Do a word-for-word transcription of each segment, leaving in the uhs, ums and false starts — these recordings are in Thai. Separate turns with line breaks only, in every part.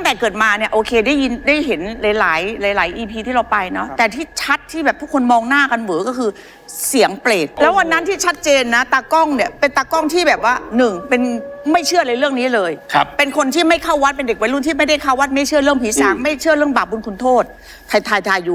แต่เกิดมาเนี่ยโอเคได้ยินได้เห็นหลายๆหลายๆ อี พี ที่เราไปเนาะแต่ที่ชัดที่แบบทุกคนมองหน้ากันเหวอก็คือเสียงเปรตแล้ววันนั้นที่ชัดเจนนะตากล้องเนี่ยเป็นตากล้องที่แบบว่าหนึ่งเป็นไม่เชื่อในเรื่องนี้เลยเป็นคนที่ไม่เข้าวัดเป็นเด็กวัยรุ่นที่ไม่ได้เข้าวัดไม่เชื่อเรื่องผีสางไม่เชื่อเรื่องบาปบุญคุณโทษถ่ายถ่ายถ่ายอยู่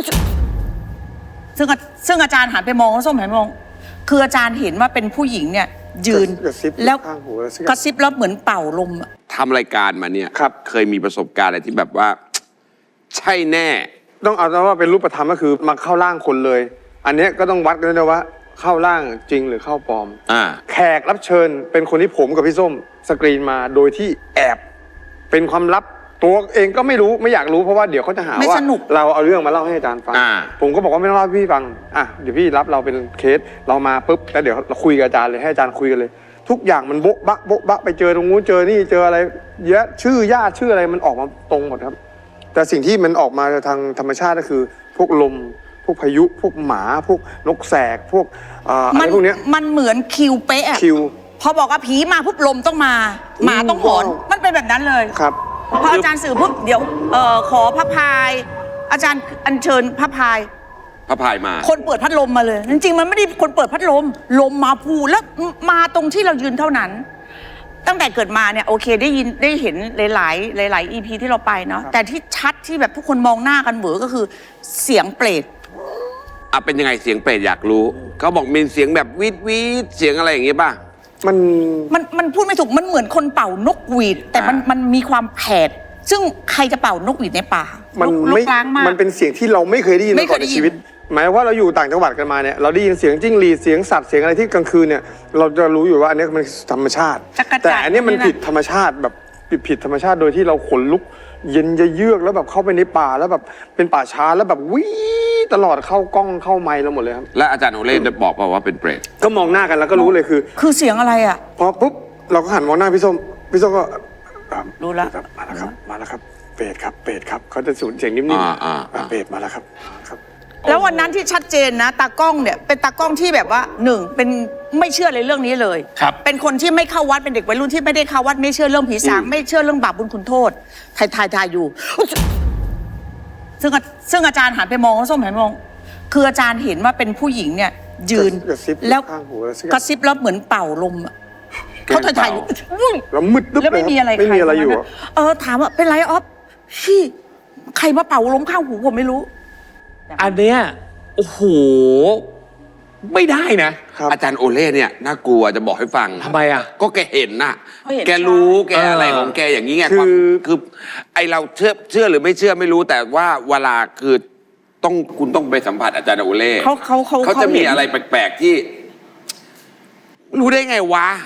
ซึ่งซึ่งอาจารย์หันไปมองแล้วส้มหันไปมองคืออาจารย์เห็นว่าเป็นผู้หญิงเนี่ยยืนแล้วกระซิบแล้วเหมือนเป่าลม
ทำรายการมาเนี่ยเคยมีประสบการณ์อะไรที่แบบว่าใช่แน่
ต้องเอาว่าเป็นรูปธรรมก็คือมาเข้าร่างคนเลยอันนี้ก็ต้องวัดกันด้วยว่าเข้าร่างจริงหรือเข้าปลอมแขกรับเชิญเป็นคนที่ผมกับพี่ส้มสกรีนมาโดยที่แอบเป็นความลับตัวเองก็ไม่รู้ไม่อยากรู้เพราะว่าเดี๋ยวเขาจะหาว่าเราเอาเรื่องมาเล่าให้อาจารย์ฟังผมก็บอกว่าไม่ต้องเล่าให้พี่ฟังอ่ะเดี๋ยวพี่รับเราเป็นเคสเรามาปุ๊บแล้วเดี๋ยวเราคุยกับอาจารย์เลยให้อาจารย์คุยกันเลยทุกอย่างมันโบ๊ะบะโบ๊ะบะไปเจอตรงนู้นเจอนี่เจออะไรเยอะชื่อญาติชื่ออะไรมันออกมาตรงหมดครับแต่สิ่งที่มันออกมาทางธรรมชาติก็คือพวกลมพวกพายุพวกหมาพวกนกแสกพวกอะไรพวกนี้
มันเหมือนคิวเป๊ะ
คิว
พอบอกว่าผีมาปุ๊บลมต้องมาหมาต้องหอนมันเป็นแบบนั้นเลย
ครับ
พออาจารย์สื่อปุ๊บเดี๋ยวเอ่อขอพระพายอาจารย์อัญเชิญพระพาย
พระพายมา
คนเปิดพัดลมมาเลยจริงๆมันไม่ได้คนเปิดพัดลมลมมาพูแล้วมาตรงที่เรายืนเท่านั้นตั้งแต่เกิดมาเนี่ยโอเคได้ยินได้เห็นหลายๆหลายๆ อี พี ที่เราไปเนาะแต่ที่ชัดที่แบบทุกคนมองหน้ากันเหวอก็คือเสียงเปรต
อ่ะเป็นยังไงเสียงเปรตอยากรู้เขาบอกมีเสียงแบบวีดวีดเสียงอะไรอย่างเงี้ยป่ะ
มัน
มันมันพูดไม่ถูกมันเหมือนคนเป่านกหวีดแต่มันมันมีความแผดซึ่งใครจะเป่านกหวีดในป่า
มันไม่มันเป็นเสียงที่เราไม่เคยได้ยินมาก่อนในชีวิตหมายว่าเราอยู่ต่างจังหวัดกันมาเนี่ยเราได้ยินเสียงจิ้งหรีดเสียงสัตว์เสียงอะไรที่กลางคืนเนี่ยเราจะรู้อยู่ว่าอันนี้มันธรรมชาติแต่อันนี้มันผิดธรรมชาติแบบผิดผิดธรรมชาติโดยที่เราขนลุกเย็นจะเยือกแล้วแบบเข้าไปในป่าแล้วแบบเป็นป่าช้าแล้วแบบวิ่งตลอดเข้ากล้องเข้าไมค์เราหมดเลยครับ
และอาจารย์โอเล่จะบอกว่าเป็นเปรต
ก็มองหน้ากันแล้วก็รู้เลยคือ
คือเสียงอะไรอ่ะ
พอปุ๊บเราก็หันมองหน้าพี่ส้มพี่ส้มก็
รู้แล้ว
มาแล้วครับมาแล้วครับเปรตครับเปรตครับเขาจะสูญเสียงนิ่มๆเปรตมาแล้วครับครับ
แล้ววันนั้นที่ชัดเจนนะตากล้องเนี่ยเป็นตากล้องที่แบบว่าหนึ่งเป็นไม่เชื่อในเรื่องนี้เลยเป็นคนที่ไม่เข้าวัดเป็นเด็กวัยรุ่นที่ไม่ได้เข้าวัดไม่เชื่อเรื่องผีสางไม่เชื่อเรื่องบาปบุญคุณโทษถ่ายถ่ายถ่ายอยู่ซึ่งซึ่งอาจารย์หันไปมองแล้วส้มหันไปมองคืออาจารย์เห็นว่าเป็นผู้หญิงเนี่ยยืนแล้วกระซิบแล้วเหมือนเป่าลมเขาถ่ายถ่ายอยู่
แล้วมืด
แล้วไม่มีอะไร
ไม่มีอะไรอยู่
เออถามว่าเป็นไรออฟพี่ใครมาเป่าลมข้างหูผมไม่รู้
อันเนี้ยโอ้โหไม่ได้นะ
อาจารย์โอเล่เนี่ยน่ากลัวจะบอกให้ฟัง
ทำไมอ่ะ
ก็แกเห็นน่ะแกรู้แกอะไรของแกอย่างนี้ไงคือคือไอเราเชื่อเชื่อหรือไม่เชื่อไม่รู้แต่ว่าเวลาคือต้องคุณต้องไปสัมผัสอาจารย์โอเล่
เขาเขาเขา
เขาจะมีอะไรแปลกๆที่รู้ได้ไงวะ